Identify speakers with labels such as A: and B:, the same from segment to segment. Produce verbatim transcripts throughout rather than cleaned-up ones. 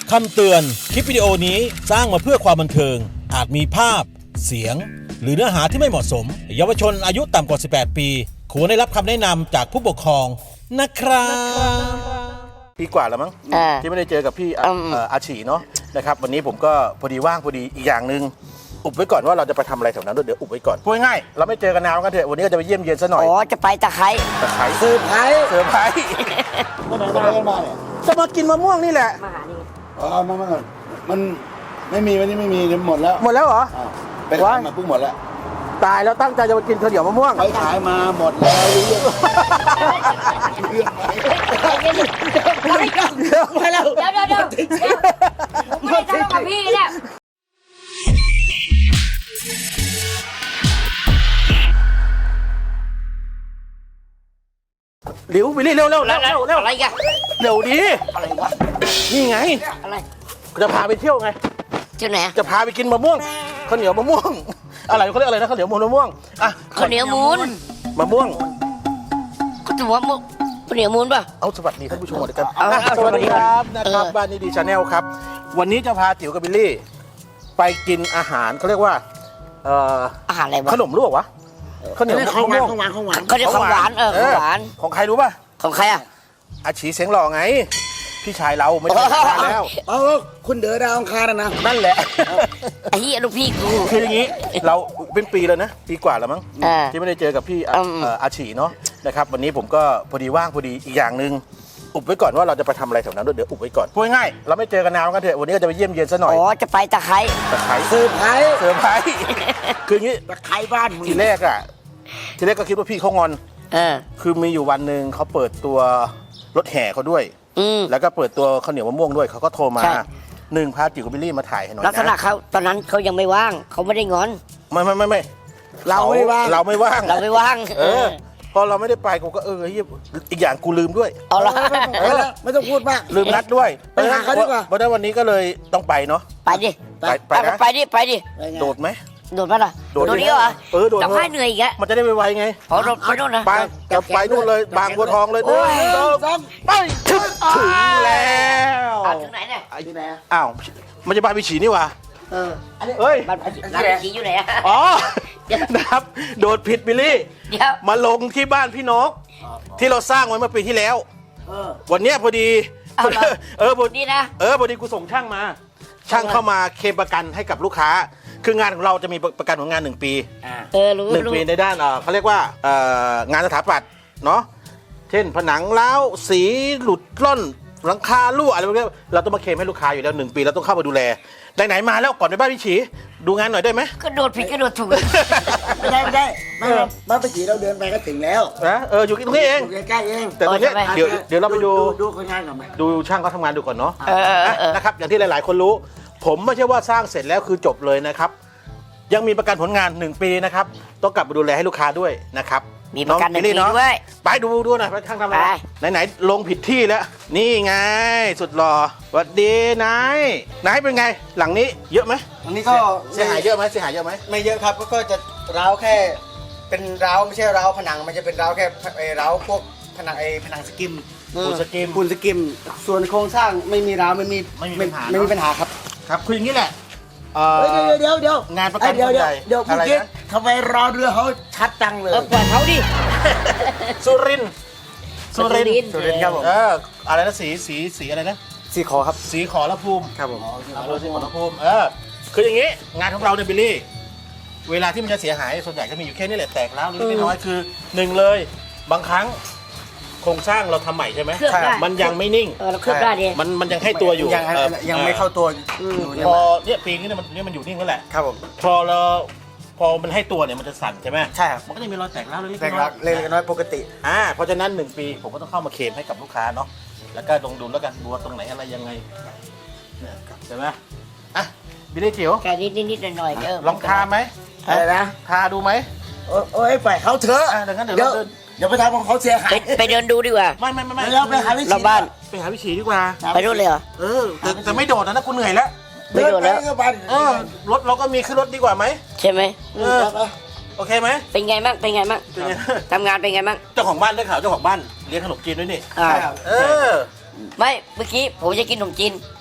A: คำเตือนคลิปวิดีโอนี้สร้างมาเพื่อความบันเทิงอาจมีภาพเสียงหรือเนื้อหาที่ไม่เหมาะสมเยาวชนอายุต่ำกว่าสิบแปดปีควรได้รับคำแนะนำจากผู้ปกครองนะครับปีกว่าแล้วมั้งที่ไม่ได้เจอกับพี่อาชีเนาะนะครับวันนี้ผมก็พอดีว่างพอดีอีกอย่างหนึ่งอุบไว้ก่อนว่าเราจะไปทำอะไรแถวนั้นด้วยเดี๋ยวอุบไว้ก่อนพูดง่ายเราไม่เจอกันนานกันเถอะวันนี้ก็จะไปเยี่ยมเยียนซะหน่อย
B: อ๋อจะไปตะไคร้
A: ตะไคร้
B: เซอร์ไพรส์
A: เซอร์ไพรส์
C: มาไหนมากันมาเนี่ย
A: จะมากินมะม่วงนี่แหละ
B: มาหานี่
C: อ๋อมามาก่อนมันไม่มีวันนี้ไม่มีหมดแล้ว
A: หมดแล้วเหรอ
C: ไปขายมาเพิ่งหมดแล้ว
A: ตายแล้วตั้งใจจะมากินข้าวเหนียวมะม่วง
C: ไปขายมาหมดแล้วเรื่องเรื่อง
B: ไปแล้วเดี๋ยวเดี๋ยวเดี๋ยวไม่ได้ทะเลาะกับพี่เนี่ย
A: เร็วไปเร็วเร็วเร็วเร็วเร็ว
B: อะไรกัน
A: เร็วดี
B: อะไรวะ
A: นี่ไง
B: อะไร
A: จะพาไปเที่ยวไง
B: เที่ยวไหน
A: จะพาไปกินมะม่วงข้าวเหนียวมะม่วงอะไรเขาเรียกอะไรนะข้าวเหนียวมะม่วงอ่ะ
B: ข้าวเหนียวมูน
A: มะม่วง
B: ก็ถือว่าข้าวเหนียวมูนป่ะ
A: เอาสวัสดีท่านผู้ชมด้วยกันสวัสดีครับนะครับบ้านนี้ดีชาแนลครับวันนี้จะพาจิ๋วกับบิลลี่ไปกินอาหารเขาเรียกว่าเอ่อ
B: อาหารอะไรวะ
A: ขนมลวกวะข้าวเหนียว
C: ของหวานของหวานของหวาน
B: เขาเรียกของหวานเออของหวาน
A: ของใครรู้ป่ะ
B: ของใครอ่ะ
A: อาชีเสียงหล่อไงพี่ชายเราไม่ใช่แล้ว
C: เออคุณเด๋อดาวอังคารนะ
A: นั่นแหละ
B: ไอ้เหี้ยลูกพี่กู
A: คืออย่างนี้เราเป็นปีแล้วนะปีกว่าแล้วมั้งที่ไม่ได้เจอกับพี่อาชีเนาะนะครับวันนี้ผมก็พอดีว่างพอดีอีกอย่างหนึ่งอุบไว้ก่อนว่าเราจะไปทำอะไรแถวนั้นด้วยเดี๋ยวอุบไว้ก่อนพูดง่ายเราไม่เจอกันนานกันเถอะวันนี้ก็จะไปเยี่ยมเยียนซะหน่อย
B: อ๋อจะไปตะไคร้
A: ตะไคร้
C: เซอร์ไพรส์
A: เซอร์ไพรส์คืออย่างนี้
C: ตะไคร้บ้าน
A: ทีแรกอ่ะทีแรกก็คิดว่าพี่เขางอน
B: เออ
A: คือมีอยู่วันหนึ่งเขาเปิดตัวรถแห่เขาด้วยแล้วก็เปิดตัวข้าวเหนียวมะม่วงด้วยเขาก็โทรมาหนึ่งพาจิ๋วกับบิลลี่มาถ่ายให้หน่อย
B: ลักษณะเขาตอนนั้นเขายังไม่ว่างเขาไม่ได้งอน
A: ไม่ไม่ไม่ไม่
C: เราไม่ว่าง
A: เราไม่ว่าง
B: เราไม่ว่าง
A: เออพอเราไม่ได้ไปกูก็เอออีกอย่างกูลืมด้วย
B: เอาละ
C: ไม่ต้องพูดมาก
A: ลืมนัดด้วย
C: ไปหาเขาดีกว่า
A: เพราะฉะนั้นวันนี้ก็เลยต้องไปเนาะ
B: ไปดิ
A: ไปไปนะ
B: ไปดิไปดิ
A: โดดไหม
B: โดดมาล่ะโดดนี้เหรอ
A: เออโดด
B: จะพายเหนื่อยอีกแล้ว
A: มันจะได้ไวๆไง
B: อ๋อโดดไปโน่นนะ
A: ไปจะไปนู่นเลยบางบัวทองเลยโอ้ยไปถึงแล้ว
B: ถึงไหนเนี่ย
C: ที่ไหน
A: อ้าวมันจะบ้านพี่ฉีนี่วะ
B: เออ
A: เฮ้ย
B: บ้านพี่ฉีอยู่ไหนอ่ะ
A: อ๋อนะครับโดดผิดบิลลี่มาลงที่บ้านพี่นกที่เราสร้างไว้เมื่อปีที่แล้ววันนี้พอดีเออพอดี
B: นะ
A: เออพอดีกูส่งช่างมาช่างเข้ามาเคลมประกันให้กับลูกค้าคืองานของเราจะมีประกันของงานหนึ่งปีหนึ่งปีในด้านเขาเรียกว่างานสถาปัตย์เนาะเช่นผนังร้าวสีหลุดล่อนหลังคารั่วอะไรพวกนี้เราต้องมาเคลมให้ลูกค้าอยู่แล้วหนึ่งปีเราต้องเข้ามาดูแลไหนๆมาแล้วก่อนไปบ้านพี่ฉีดูงานหน่อยได้ไหม
B: ก็โดดผิดก็โดดถูก
C: ไม่ได้ไม่ได้ไม่บ้านพี่ฉีเราเดินไปก็ถึงแล้ว
A: นะเอออยู่ตรงนี้เอง
C: ใกล้เอง
A: แต่ตรงนี้เดี๋ยวเดี๋ยวเราไปดู
C: ดูคนงานก่อนไหม
A: ดูช่างเขาทำงานดูก่อนเนาะนะครับอย่างที่หลายๆคนรู้ผมไม่ใช่ว่าสร้างเสร็จแล้วคือจบเลยนะครับยังมีประกันผลงานหนึ่งปีนะครับต้องกลับมาดูแลให้ลูกค้าด้วยนะครับ
B: มีประกันหนึ่งปีด้วย
A: ไปดูดูหน่อยไปช่างทำอะไรไหนๆลงผิดที่แล้วนี่ไงสุดหล่อสวัสดีนายนายเป็นไงหลังนี้เยอะไหม
C: อันนี้ก็
A: เสียหายเยอะไหมเสียหายเยอะไหม
C: ไม่เยอะครับก็จะร้าวแค่เป็นร้าวไม่ใช่ร้าวผนังมันจะเป็นร้าวแค่ร้าวพวกผนังไอ้ผนังสกิม
A: ปูนสกิม
C: ปูนสกิมส่วนโครงสร้างไม่มีร้าวไม่มี
A: ไม่มีปัญหา
C: ไม่มีปัญหาครับ
A: ครับคืออย่างนี้แหละ
C: เดี๋ยวเดี๋ยวเดี๋ยว
A: งานประกัน
C: เดี๋ยวเดี๋ยวเดี๋ยว
A: อะไรนะ
C: ทำไมรอเรือเขาชัดจังเลย
B: เออปล่อยเขาดิ
A: สุรินสุริน
C: สุรินครับผม
A: เอออะไรนะสีสีสีอะไรนะ
C: สีขอครับ
A: สีขอละภูมิ
C: ครับผม
A: อำเภอสีขอละภูมิเออคืออย่างนี้งานของเราเนี่ยบิลลี่เวลาที่มันจะเสียหายส่วนใหญ่จะมีอยู่แค่นี้แหละแตกแล้วนิดน้อยคือหนึ่งเลยบางครั้งโครงสร้างเราทำใหม่ใช่ไหมมันยังไม่นิ่ง
B: เออเราเคลือบได้ดิ
A: มันมันยังให้ตัวอยู่
C: ยังยังไม่เข้าตัว
A: พอเนี่ยปีนี้มันเนี่ยมันอยู่นิ่งแล้วแหละ
C: ครับผม
A: พอเราพอมันให้ตัวเนี่ยมันจะสั่นใช่ไหม
C: ใช่ครับ
A: มันก็จะมีรอยแตกแล้วเล็ก
C: ๆแตกแล้วเล็กๆน้อยปกติ
A: อ่าเพราะฉะนั้นหนึ่งปีผมก็ต้องเข้ามาเคลมให้กับลูกค้าเนาะแล้วก็ลงดูแล้วกันบัวตรงไหนอะไรยังไงใช่ไหมอ่ะบิลลี่จิ๋ว
B: แค่นิดนิดหน่อยๆเออ
A: ลองทาไหม
C: อะไรนะ
A: ทาดูไหม
C: โอ้ยไปเขาเถอะ
A: เดี๋ยว
C: เดี๋ยวไปทำของเขาเสียหาย
B: ไปเดินดูดีกว่า
A: ไม่ไม่ไม่ไม่
C: เราไปหาวิชี
B: บ้าน
A: ไปหาวิชีดีกว่า
B: ไปดูเลยเหรอ
A: เออแต่แต่ไม่โดดนะนะกูเหนื่อยแล้ว
B: ไม่โดดแล้ว
A: เออรถเราก็มีขึ้นรถดีกว่าไหม
B: ใช่ไหม
A: เออโอเคไหม
B: เป็นไงบ้างเป็นไงบ้างทำงานเป็นไงบ้าง
A: เจ้าของบ้านได้ข่าวเจ้าของบ้านเลี้ยงขนมจีนด้วยนี่
B: อ่า
A: เออ
B: ไม่เมื่อกี้ผมจะกินขนมจีน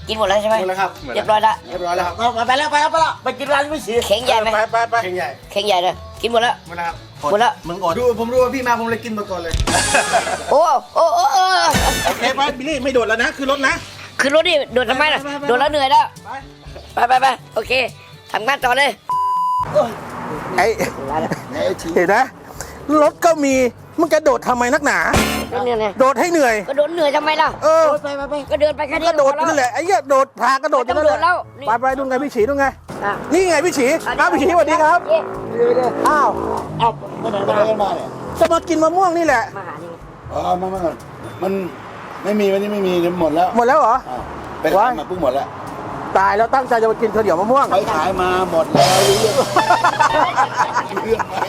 B: กินหมดแล้วใช่ไหม
C: หมดแล้วครับ
B: เรียบร้อยละ
C: เรียบร้อยแล้วครับเอาไปแล้วไปแล้วไปแล้วไปกินร้านพี่ฉี
B: เข่งใหญ่ไหม
A: ไปไปไป
C: เข่งใหญ่
B: เข่งใหญ่เลยกินหมดแล้ว
C: หมดแล้วครับ
B: หมดแล้ว
A: มึงอด
C: ดูผมรู้ว่าพี่มาผมเลยกินหมดก่อนเลย
B: โอ้โอ้โอ้โอ้
A: โอเคไปบิลลี่ไม่โดดแล้วนะคือรถนะ
B: คือรถนี่โดดทำไมล่ะ
A: ไปไปไป
B: โดดแล้วเหนื่อยแล้ว
A: ไป
B: ไปไปไปโอเคทำงานต่อเลย
A: ไอ้เห็นนะรถก็มีมึงจะโดดทำไมนักหนา
B: รถเนี่ยไง
A: โดดให้เหนื่อย
B: ก็โดดเหนื่อยทำไมล่ะ
A: เออ
B: ไปไปไปก็เดินไปแค่นี้
A: ก็โดด
B: พอ
A: นั่นแหละไอ้เหี้ยโดดพากระโดด
B: ไม่ต้องโดดแล้วนี่
A: ไปไปดูไงพี่ฉีดูไง
B: อ่ะ
A: นี่ไงพี่ฉีอ้าวพี่ฉีสวัสดีครับ
B: เย้
A: อ้าว
C: เอาไปไหนไปไหนมาเนี่ย
A: จะมากินมะม่วงนี่แหละ
B: มาหานี่
D: อ๋อมามาก่อนมันไม่มีวันนี้ไม่มีหมดแล้ว
A: หมดแล้วเหรอ
D: อ้าวไปขายมาเพิ่งหมดแล้ว
A: ตายแล้วตั้งใจจะมากินข้าวเหนียวมะม่วง
D: ไปขายมาหมดแล้วรู้เรื่องเรื่องไหม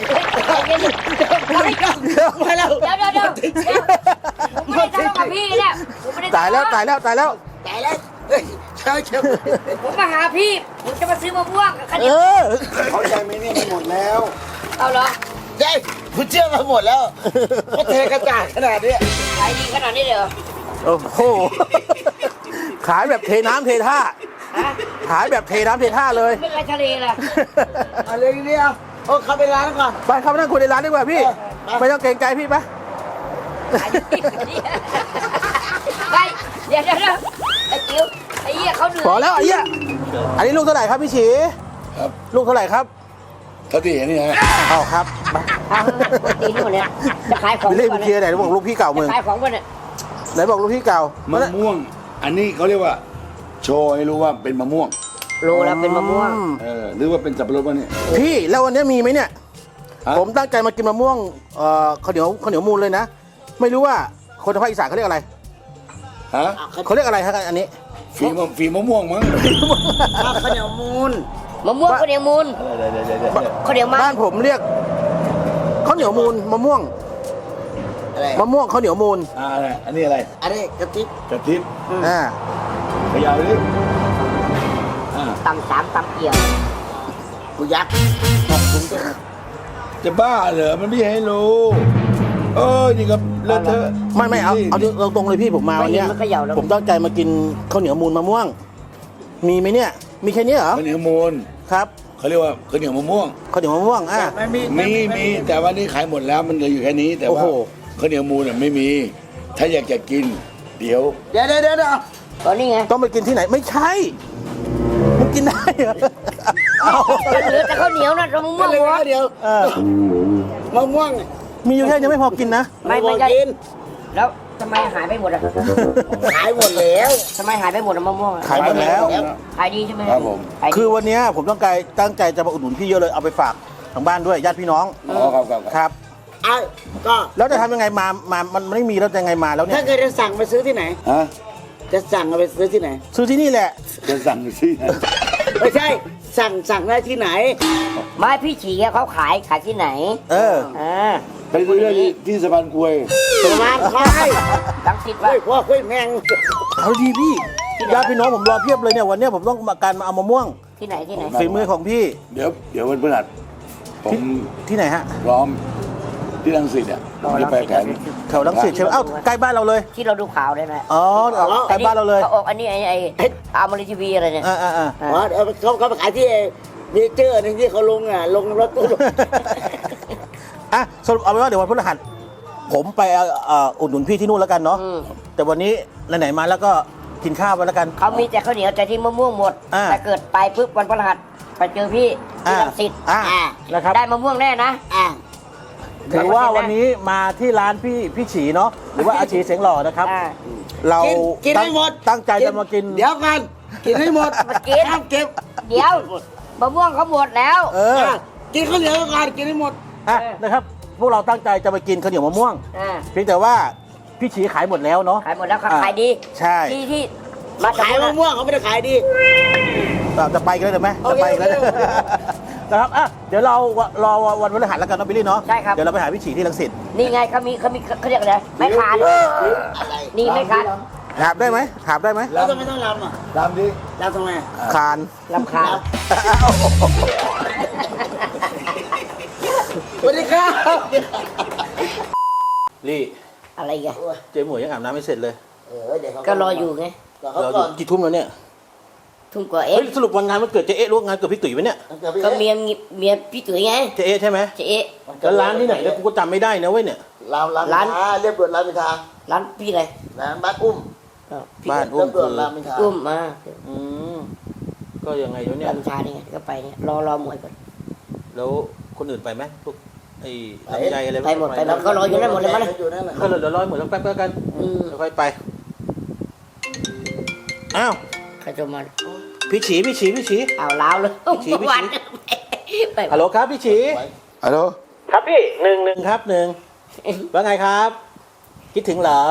C: ไปแล้ว
B: เดี๋ยวเดี๋ยวเดี๋ยวเดี๋ยวผมไม่ได้ทะเลาะกับพี่เนี่ยผมไม่ได้
A: ตายแล้วตายแล้วตายแล้ว
C: ตายแล้วเฮ้ยใช่ครับ
B: ผมมาหาพี่ผมจะมาซื้อมะม่วงกับข้าวเห
A: เอ
B: นียว
A: อ
D: เขาใจไหมเนี่ยมันหมดแล้ว
B: เอาเหรอ
C: เฮ้ยคุณเชื่อมาหมดแล้วก็เทกระจาดขนาดนี้
B: ขายดีขนาดนี้เลยเหรอ
A: โอ้โหขายแบบเทน้ำเทท่า
B: ฮะ
A: ขายแบบเทน้ำเทท่าเลย
B: ไม่ไรทะเลล่ะ
C: อะไรเนี่ยโอ้เข้าไปร้านก่อน
A: ไปเข้าไปนั่งคุยในร้านดีกว่าพี่
C: ไป
A: ไม่ต้องเกรงใจพี่ไป
B: ขายดีไปเดี๋ยวเดี๋ยวเดี๋ยวไอ้จิ๋วไอ้เหี้ยเขาเหนื่อย
A: พอแล้วไอ้เหี้ยอันนี้ลูกเท่าไหร่ครับพี่ฉี
D: ครับ
A: ลูกเท่าไหร่ครับ
D: เท่าที่เห็นนี่ฮะ
A: อ้าวครับไป
B: เอาตีนี่หมดเนี่ยจะขายของ
A: ไปเล่น
B: ก่อน
A: เคลียร์ไหนบอกลูกพี่เก่ามึง
B: จะขายของก่อนเนี่ย
A: ไหนบอกลูกพี่เก่าม
D: ะม่วง อันนี้เขาเรียกว่า โชว์ให้รู้ว่าเป็นมะม่วง
B: โลแล้วเป็นมะม่วง
A: อื
D: เออหรือว่าเป็นสับปะรดวะเนี่ย
A: พี่แล้ววันนี้มีไหมเนี่ย
D: ฮะ
A: ผมตั้งใจมากินมะม่วงเอ่อข้าวเหนียวข้าวเหนียวมูลเลยนะ ไม่รู้ว่าคนทางภาคอีสานเขาเรียกอะไร
D: ฮะ
A: เขาเรียกอะไรครับอันนี้
D: ฝีมะฝีมะม่วงมั้ง
C: ข้าวเหนียวมูล
B: มะม่วงข้าวเหนียวมูล
D: เดี๋ยวเดี๋ยวเดี๋ยวเดี๋ยว
B: ข้าวเหนียวมัน
A: บ้านผมเรียกข้าวเหนียวมูลมะม่วง
C: อะไร
A: มะม่วงข้าวเหนียวมูล
D: อ่าอะไรอันนี้อะไร
C: อันนี้กระติบ
D: กระทิบ
A: อ่า
D: ขยาวดิอ่า
B: ตำสามตำเอี่ยว
C: กูยักษ์
D: จะบ้าเหรอมันไม่ให้รู้เออนี่ก็เลอะเทอะ
A: ไม่ไม่เอาเอาตรงๆเลยพี่ผมมาวันเนี้ย
B: ไม่เขย่าแล้ว
A: ผมตั้งใจมากินข้าวเหนียวมูลมะม่วง มีไหมเนี่ย มีแค่นี้เหรอ
D: ข้าวเหนียวมูล
A: ครับ
D: เขาเรียกว่าข้าวเหนียวมะม่วง
A: ข้าวเหนียวมะม่วงอ่ะ
C: ไม่มี
D: มีมีแต่ว่านี่ขายหมดแล้วมันเหลืออยู่แค่นี้ แต่ว่า
A: โอ้โห
D: ข้าวเหนียวมูลน่ะไม่มี ถ้าอยากจะกิน เดี๋ยว
C: เดี๋ยวเดี๋ยวเดี๋ยวเดี๋ยว
B: ตอนนี้ไง
A: ต้องไปกินที่ไหนไม่ใช่มันกินได้เหรอเอา
B: เหลือแต่ข้าวเหนียวนะมะม่
C: ก็
B: วง
C: เลย
B: วะ
C: เดี๋ยว
A: เออ
C: มะม่วง
A: มีอยู่แค่นี้ไม่พอกินนะ
B: ไม่ไม่ใช่
C: กิน
B: แล้วทำไมหายไปหมดอ่ะ
C: ขายหมดแล้ว
B: ทำไมหายไปหมดอะมะม่วงอะ
A: ขายหมดแล้ว
B: ขายดีใช่ไหม
D: ครับผม
B: ขายดี
A: คือวันเนี้ยผมต้องการตั้งใจจะมาอุดหนุนพี่เยอะเลยเอาไปฝากทางบ้านด้วยญาติพี่น้อง
D: อ๋อครับครับครับ
A: ครับ
C: ไอ้ก็
A: แล้วจะทำยังไงมามามันมันไม่มีแล้วจะยังไงมาแล้วเนี่
C: ถ้าย เกิดจะสั่งไปซื้อที่ไหน
D: ฮะ
C: จะสั่งเอาไปซื้อที่ไหน
A: ซื้อที่นี่แหละ
D: จะสั่งสิ
C: ไม่ใช่ สั่งสั่งได้ที่ไหน
B: ไม่พี่ฉีอะเขาขายขายที่ไหน
A: เออ
B: อ่า
D: ไปซื้อได้ที่ที่สะพานกล้วย
C: ประมาณคอย
B: ลังสิต
C: เฮ้
B: วะ
C: ยพ่อเฮ้ยแมง
A: เอาดีพี่ญาติพี่น้องผมรอเพียบเลยเนี่ยวันเนี้ยผมต้องมาการมาเอามะม่วง
B: ที่ไหนที่ไหน
A: ฝีมือของพี่
D: เดี๋ยวเดี๋ยววันพฤหัสผม
A: ที่ไหนฮะ
D: พร้อมที่รังสิตอ่ะผมจะไปแผน
A: แถวลังสิตใช่ไหมเอ้าใกล้บ้านเราเลย
B: ที่เราดูข่าวได้ไหม
A: อ๋อใกล้บ้านเราเลย
B: เขาออกอันนี้ไอ้ไอ้อามาริทีวีอะไรเนี่ย
A: อ่าอ่าอ่า
B: อ่า
C: อ๋อเอาเขาเขาไปขายที่เนเจอร์นึงที่เขาลงอ่ะลงรถตู้
A: อ่ะสรุปเอาไว้ว่าเดี๋ยววันพฤหัสผมไปเอ่อเอ่ออุดหนุนพี่ที่นู่นแล้วกันเนาะ
B: อืม
A: แต่วันนี้ไหนๆมาแล้วก็กินข้าวไปแล้วกัน
B: เขามีแต่ข้าวเหนียวแต่ที่มะม่วงหมด
A: อ่า
B: แต่เกิดไปปุ๊บวันพฤหัสไปเจอพี่ที่
A: อ่า
B: ลังสิต
A: อ่า
B: อ่า
A: นะครับ
B: ได้มะม่วงแน่นะ
C: อ่ะ
A: ถือว่าวันนี้มาที่ร้านพี่พี่ฉีเนาะหรือว่าอาชีเสียงหล่อนะครับ
B: อ่า
A: เรา
C: กินกิน
A: ตั้ง
C: ให้หมด
A: ตั้งใจจะมากิน
C: เดี๋ยวกันกินให้หมด
B: มากิน
C: ห้ามเก็บ
B: เดี๋ยวมะม่วงเขาหมดแล้ว
A: เออ
C: อ่ะกินข้าวเหนียวก่อนกินให้หมด
A: อ่ะนะครับ พวกเราตั้งใจจะไปกินข้าวเหนียวมะม่วง
B: อ่า
A: เพียงแต่ว่าพี่ฉีขายหมดแล้วเนาะ
B: ขายหมดแล้วครับ
A: อ่า
B: ขายดี
A: ใช่
B: ที่ที่
C: มาขายมะม่วงเขาไม่ได้ขายดี
A: เราจะไปกันเลยได้ไหม
C: โอ
A: จะ
C: เค
A: ไปกันเลย
C: โอเคโอเค
A: นะครับอ่ะเดี๋ยวเรารอวันพฤหัสแล้วกันเนาะบิลลี่เนาะ
B: ใช่ครับ
A: เดี๋ยวเราไปหาพี่ฉีที่รังสิต
B: นี่ไงเขามีเขามีเขาเรียกอะไรไม่ขาด
C: อะไร
B: นี่ไม่ขาด
A: หาบได้ไหมหาบได้ไหม
C: แล้วทำไมต้องรำอ่ะ
D: ตามดิ
C: รำทำไมอ่ะ
A: คาน
B: ลำคาญ
C: สวัสดีครับ
A: ลี่
B: อะไรกัน
A: เจ๊หมวยยังอาบน้ำไม่เสร็จเลย
C: เออเดี๋ยวเขา
B: ก็รออยู่ไง
C: รอเขา
A: เราอ
C: ก่
A: ยู่
C: อน
A: กี่ทุ่มแล้วเนี่ย
B: ทุ่มกว่าเอ
A: เฮ้
B: ง
A: ยสรุปวันงานมันเกิดเจ๊เอ๊ะหรือว่างานเกิดพี่ตุ๋ยไหมเนี่ย
C: เดี๋ยวพี่
B: ก็
C: เอ๊ะ
B: เมียเมียพี่ตุ๋ยไง
A: เจ๊เอ๊ะใช่ไหม
B: เจ๊เอ๊ะ
A: แล้วร้านที่ไหนเนี่ยกูก็จำไม่ได้นะเว้ยเนี่ย
C: รามราม
B: ร้าน
C: อินทราเรียบด่วนรามอินทรา
B: ร้านพี่อะไร
C: ร้านบ้านอุ้ม
B: เออพี่
A: บ้านอุ้
C: เรีย
A: ม
C: บด่ว
A: คื
C: น
A: อ
C: รามอินทรา
B: อุ้มมา
A: อืมก็ยังไงวะเนี่ย
B: ร้านชานี่ไงก็ไปเนี่ยรอรอหมวยก่อน
A: แล้วคนอื่นไปไหมพวกไอ้ลำไยอะไร
B: ไปหมดไปหมด เขารออยู่นั่นหมดเลยมั้ย
C: อยู่นั่นแหละ
A: ก็เหลือร้อยหมดแล้วแป๊บๆกัน
B: อืม
A: ค่อยไปอ้าว
B: ใครจะมา
A: พี่ฉีพี่ฉีพี่ฉี
B: เอาล้าวเลย
A: พี่ชี้พี่ชี้
B: วันไป
A: ฮัลโหลครับพี่ฉี
D: ฮัลโหล
A: ครับพี่หนึ่งหนึ่งครับหนึ่งว่าไงครับ คิดถึงเหรอ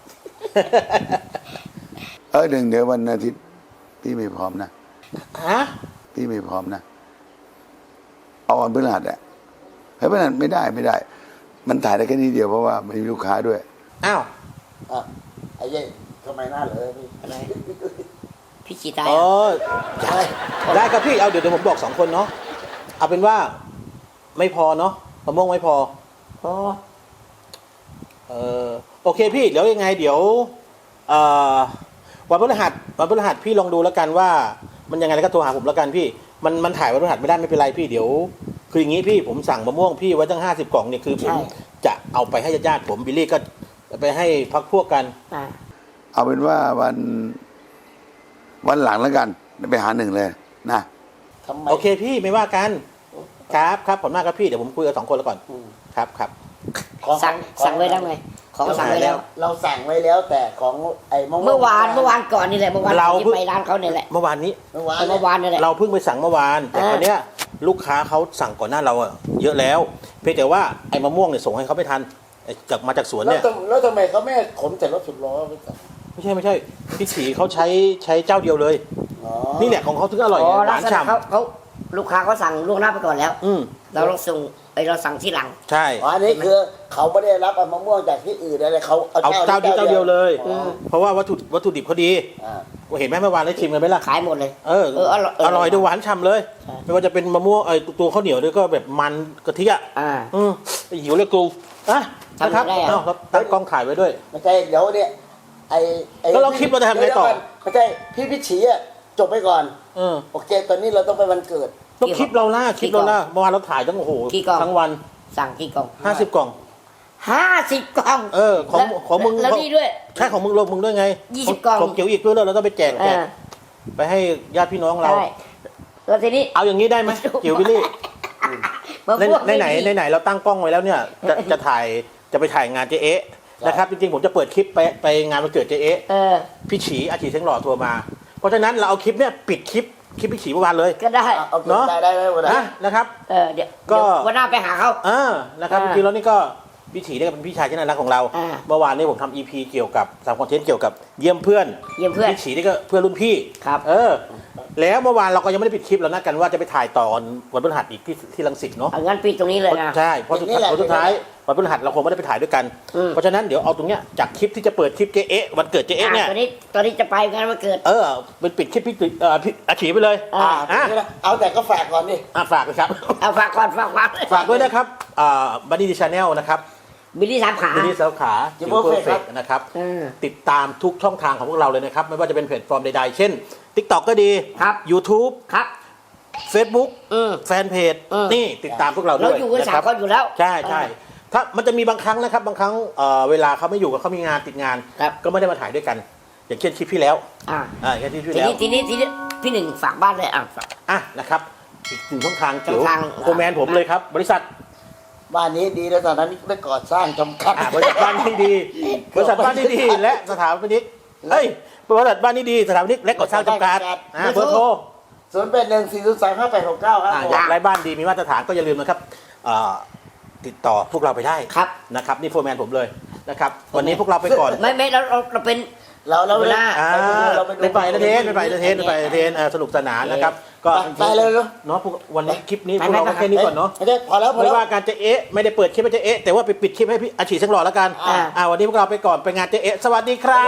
D: เออหนึ่งเดี๋ยววันอาทิตย์พี่ไม่พร้อมนะ
A: ฮะ
D: พี่ไม่พร้อมนะ เอาวันพฤหัสอะเฮ้ยพฤหัสไม่ได้ไม่ได้ มันถ่ายได้แค่นี้เดียวเพราะว่ามันมีลูกค้าด้วย
A: อ้าว
C: อ่ะไอ้เย้ทำไมหน้าเหลยพี่
B: อะไรพี่ขี่ตาย
A: อ๋อ
B: อ่ะ
A: ได้ครับพี่เอาเดี๋ยวเดี๋ยวผมบอกสองคนเนาะเอาเป็นว่าไม่พอเนาะมะม่วงไม่พอ
B: พอ
A: เออโอเคพี่เดี๋ยวยังไง เดี๋ยวเอ่อวันพฤหัสวันพฤหัสพี่ลองดูแล้วกันว่า มันยังไงแล้วก็โทรหาผมแล้วกันพี่ มันมันถ่ายวันพฤหัสไม่ได้ไม่เป็นไรพี่เดี๋ยว คืออย่างนี้พี่ผมสั่งมะม่วงพี่ไว้ตั้งห้าสิบกล่องเนี่ยคือผมจะเอาไปให้ญาติๆผมบิลลี่ก็ไปให้พักพวกกัน
B: อ่ะ
D: เอาเป็นว่าวันวันหลังแล้วกันไปหาหนึ่งเลยนะ
C: ทำไม
A: โอเคพี่ไม่ว่ากันครับครับผมมากครับพี่เดี๋ยวผมคุยกับสองคนแล้วก่อนครับครับ
C: ของ
B: สั่ง
C: ของ
B: สั่งไว้แล้วไงของสั่งไว้แล้ว
C: เราสั่งไว้แล้วแต่ของไอ้มะม่วง
B: เมื่อวานเมื่อวานก่อนนี่แหละเมื่อวาน
A: เรา
B: ที่ไปร้านเขาเนี่ยแหละ
A: เมื่อวานนี้
C: เมื่อวาน
B: เมื่อวานนี่แหละ
A: เราเพิ่งไปสั่งเมื่อวาน แต่
B: อ่า
A: ตอนเนี้ยลูกค้าเขาสั่งก่อนหน้าเราอะเยอะแล้ว เพียงแต่ว่าไอ้มะม่วงเนี่ยส่งให้เขาไม่ทันไอ้จากมาจากสวน
C: แล้ว
A: เนี่ย
C: ทำแล้วทำไมเขาไม่ขนแต่รถสิบล้อไปสั่ง
A: ไม่ใช่ไม่ใช่พี่ฉีเขาใช้ใช้เจ้าเดียวเลย
C: อ๋อ
A: นี่แหละของเขาถึงอร่อย
B: อ๋อ
A: ห
B: ลั
A: วาก น
B: ษณะ
A: ฉ่
B: เขาเขาลูกค้าเขาสั่งล่วงหน้าไปก่อนแล้ว
A: ำอืม
B: เราเราส่งไอเราสั่งที่หลัง
A: ใช่
C: อ๋ออันนี้คือเขาไม่ได้รับเอามะม่วงจากที่อื่นอะไรเขา
A: เอาเจ้าเดียวเจ้าเดียวเลย
C: อ๋อ
A: เพราะว่าวัตถุวัตถุดิบเขาดี
C: อ่า
A: เห็นไหมเมื่อวานได้ชิมกันไหมล่ะ
B: ขายหมดเลย
A: เออ
B: เอออร่อยเออ
A: อร่อยด้วยหวานฉ่ำเลย
B: ใช่
A: ไม่ว่าจะเป็นมะม่วงไอ้ตัวข้าวเหนียวด้วยก็แบบมันกะทิอ่ะ
B: อ่า
A: อืมหิวเลยกูอ่ะนะครับ
B: ทำได้อะ
A: อ้าวครับตั้งกล้องถ่ายไว้ด้วย
C: ไม่ใช่เดี๋ยวเนี่ยไอ้ไอ้
A: แล้วเราคิดว่าจะทำไงต่อ
C: เดี๋ยวๆไม่ใช่พี่พิชชีอ่ะจบไปก่อน
A: เออ
C: โอเค ตอนนี้เราต้องไปวันเกิด
A: ต้องคลิปเราล่าคลิปเราล่าเมื่อวานเราถ่ายตั้งโอ้โห
B: กี่กล่อง
A: ทั้งวัน
B: สั่งกี่กล่อง
A: ห้าสิบกล่อง
B: ห้าสิบกล่อง
A: เออของ
B: แล้ว
A: ของมึง
B: แล้วนี่ด้วย
A: ใช่ของมึงลงมึงด้วยไง
B: ยี่สิบกล่อง
A: ของเกี่ยวอีกด้วยแล้วเราต้องไปแจกแจก
B: อ่า
A: ไปให้ญาติพี่น้องเรา
B: ใช่แล้วทีนี้
A: เอาอย่างนี้ได้ไหมเกี่ยววิลลี่
B: มะ
A: ใน
B: ม่วง
A: ในไหน
B: ม่มี
A: ในไหนเราตั้งกล้องไว้แล้วเนี่ยจะจะถ่ายจะไปถ่ายงานเจ๊เอ๊ะนะครับจริงๆผมจะเปิดคลิปไปไปงานวันเกิดเจ๊เอ๊ะ
B: เออ
A: พี่ฉีอาชีเสียงหล่อโทรมา เพราะฉะนั้นเราเอาคลิปเนี่ยปิดคลิปคลิปพี่ฉีเมื่อวานเลย
B: ก็ได้
C: เอาเอา
A: เนอะ
C: ได้ได้ได้วันไหน
A: นะนะครับ
B: เออเดี๋ยว
A: ก็
B: เดี๋ยววันหน้าไปหาเขา
A: อ่านะครับจ
B: อ่า
A: ริงๆแล้วนี่ก็พี่ฉีเนี่ยก็เป็นพี่ชายที่น่ารักของเรา
B: อ่า
A: เมื่อวานนี้ผมทำ อี พี เกี่ยวกับทำคอนเทนต์เกี่ยวกับเยี่ยมเพื่อน
B: เยี่ยมเพื่อน
A: พี่ฉีนี่ก็เพื่อนรุ่นพี่
B: ครับ
A: เออ แล้วเมื่อวานเราก็ยังไม่ได้ปิดคลิปเรานัดกันว่าจะไปถ่ายต่อวันพฤหัสอีกที่ที่รังสิตเนาะ
B: เอางั้นปิดตรงนี้เลยนะ
A: ใช่เพราะสุดท้ายเพราะสุดท้ายวันพฤหัสเราคงไม่ได้ไปถ่ายด้วยกัน
B: อืม
A: เพราะฉะนั้นเดี๋ยวเอาตรงเนี้ยจากคลิปที่จะเปิดคลิปเจ๊เอ๊ะวันเกิดเจ๊เอ๊ะเนี่ย
B: อ่ะตอนนี้ตอนนี้จะไปงานวันเกิด
A: เออเป็นปิดคลิปพี่ตุ๋ยเอ่อพี่อาฉีไปเลย
B: อ่า
C: อ่าเอาแต่ก็ฝากก่อนดิ
A: อ่ะฝากเลยครับ
B: เอาฝากก่อนฝากก่อน
A: ฝากด้วยนะครับอ่าบันดี้ชาแนลนะครับ
B: บิลลี่สามขา
A: บันดี้สาวขาจิ๋วเพอร์เฟกนะครับ
B: เออ
A: ติดตามทุกช่องทางของพวกเราเลยนะครับ ไม่ว่าจะเป็นแพลตฟอร์มใดๆ เช่น TikTok ก็ดี
B: ครับ
A: YouTube
B: ครับ
A: Facebook
B: อืม
A: แฟนเพจ
B: อืม
A: นี่ติดตามพวกเราด้
B: เรา
A: วย
B: อยู่กัน
A: นะ
B: สา
A: ค
B: ม
A: รับ
B: คนอยู่แล้ว
A: ใช่ใช่ถ้ามันจะมีบางครั้งนะครับบางครั้งเอ่อเวลาเขาไม่อยู่กับเขามีงานติดงาน
B: ครับ
A: ก็ไม่ได้มาถ่ายด้วยกัน อย่างเช่นคลิปพี่แล้ว
B: อ่า
A: อ่าอย่างเช่นคลิป
B: ที
A: พี่แล้ว
B: นี้ทีนี้ทีนี้พี่หนึ่งฝากบ้านเลยอ่ะฝาก
A: อ่ะนะครับอีกหนึ่งช่องทางเกี่ยว
B: ช่องทาง
A: โคแมนผมเลยครับ บริษัท
C: บ้านนี้ดีแล้วตอนนั้นไม่ก่อสร้างจำกัด
A: อ่าบริษัทบ้านนี้ดี บริษัทบ้านนี้ดีและสถาปนิกเฮ้ยบริษัทบ้านนี้ดีสถาปนิกและก่อสร้างจำกัดอ่าเบอร์โทร
C: ศูนย์แปดหนึ่งสี่ศูนย์สามห้าแปดหกเก้าครับ
A: อ่าอยากไร้บ้านดีมีมาตรฐานก็อย่าลืมนะครับเอ่อติดต่อพวกเราไปได้
B: ครับ
A: นะครับนี่โฟร์แมนผมเลยนะครับวันนี้พวกเราไปก่อน
B: ไม่ไม่เราเราเราเป็น
C: เราเรา
B: เวลา
A: อ่า
C: เราไปดู
A: ไปไปเอนเตอร์เทนไปไปเอนเตอร์เทนไปไปเอนเตอร์เทนเอ่อสนุกสนานนะครับก็
C: ไปไปเลยเนอะ
A: เนาะพวกวันนี้คลิปนี้
B: ไป
A: พวกเรา
B: ไป
A: ก็แค่นี้ก่อนเนาะ
C: ไม่ได้พอแล้วพอ
A: ไม่
C: แล้ว
A: ว่าการจะเอ๊ะไม่ได้เปิดคลิปให้เจะเอ๊ะแต่ว่าไปปิดคลิปให้พี่อาชีพสังหล่อแล้วกัน
C: อ่า
A: อ่าวันนี้พวกเราไปก่อนไปงานเจ๊เอ๊ะสวัสดีครับ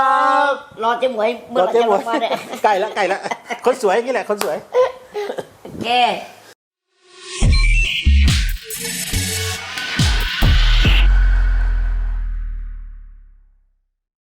B: รอเจ๊หมวยเมื่อไหร่
A: เจ๊
B: จะ
A: หม
B: ล
A: วย
B: งมาเนี่ย
A: ใกล้แล้วใกล้แล้วคนสวยอย่างนี้แหละคนสวย
B: โอเค